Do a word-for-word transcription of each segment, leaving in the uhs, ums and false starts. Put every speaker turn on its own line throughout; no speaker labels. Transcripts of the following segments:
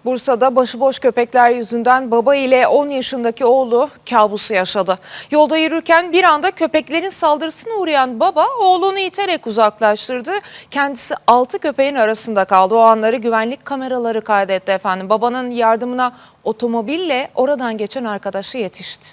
Bursa'da başıboş köpekler yüzünden baba ile on yaşındaki oğlu kabusu yaşadı. Yolda yürürken bir anda köpeklerin saldırısına uğrayan baba oğlunu iterek uzaklaştırdı. Kendisi altı köpeğin arasında kaldı. O anları güvenlik kameraları kaydetti efendim. Babanın yardımına otomobille oradan geçen arkadaşı yetişti.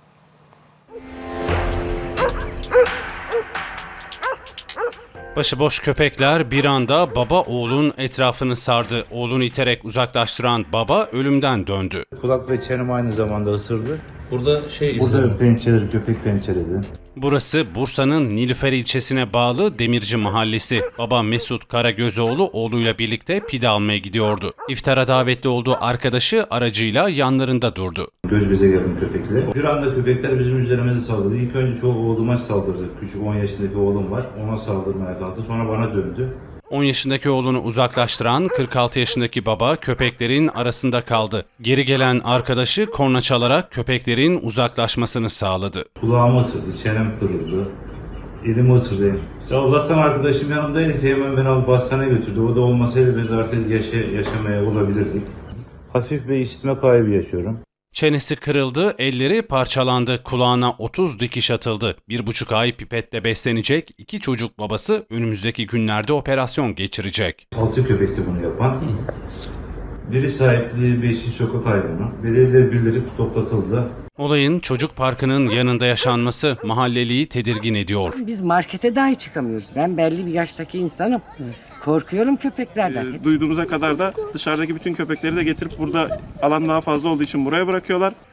Başıboş köpekler bir anda baba oğlun etrafını sardı. Oğlunu iterek uzaklaştıran baba ölümden döndü.
Kulak ve çenem aynı zamanda ısırdı.
Burada şey
Burada
izledim.
pençeleri, köpek pençeledi.
Burası Bursa'nın Nilüfer ilçesine bağlı Demirci Mahallesi. Baba Mesut Karagözoğlu oğluyla birlikte pide almaya gidiyordu. İftara davetli olduğu arkadaşı aracıyla yanlarında durdu.
Göz göze geldim köpekle. Bir anda köpekler bizim üzerimize saldırdı. İlk önce çoğu oğluma saldırdı. Küçük on yaşındaki oğlum var. Ona saldırmaya kalktı. Sonra bana döndü.
on yaşındaki oğlunu uzaklaştıran kırk altı yaşındaki baba köpeklerin arasında kaldı. Geri gelen arkadaşı korna çalarak köpeklerin uzaklaşmasını sağladı.
Kulağımı ısırdı, çenem kırıldı. Elimi ısırdı. İşte Allah'tan arkadaşım yanımdaydı ki hemen beni alıp hastaneye götürdü. O da olmasaydı biz artık yaşa yaşamaya olabilirdik. Hafif bir işitme kaybı yaşıyorum.
Çenesi kırıldı, elleri parçalandı, kulağına otuz dikiş atıldı. Bir buçuk ay pipetle beslenecek iki çocuk babası önümüzdeki günlerde operasyon geçirecek.
Altı köpekti bunu yapan. Biri sahipliği, beşi sokak hayvanı. Biri de bildirip toplatıldı.
Olayın çocuk parkının yanında yaşanması mahalleliyi tedirgin ediyor.
Biz markete dahi çıkamıyoruz. Ben belli bir yaştaki insanım. Korkuyorum köpeklerden.
E, duyduğumuza kadar da dışarıdaki bütün köpekleri de getirip burada alan daha fazla olduğu için buraya bırakıyorlar.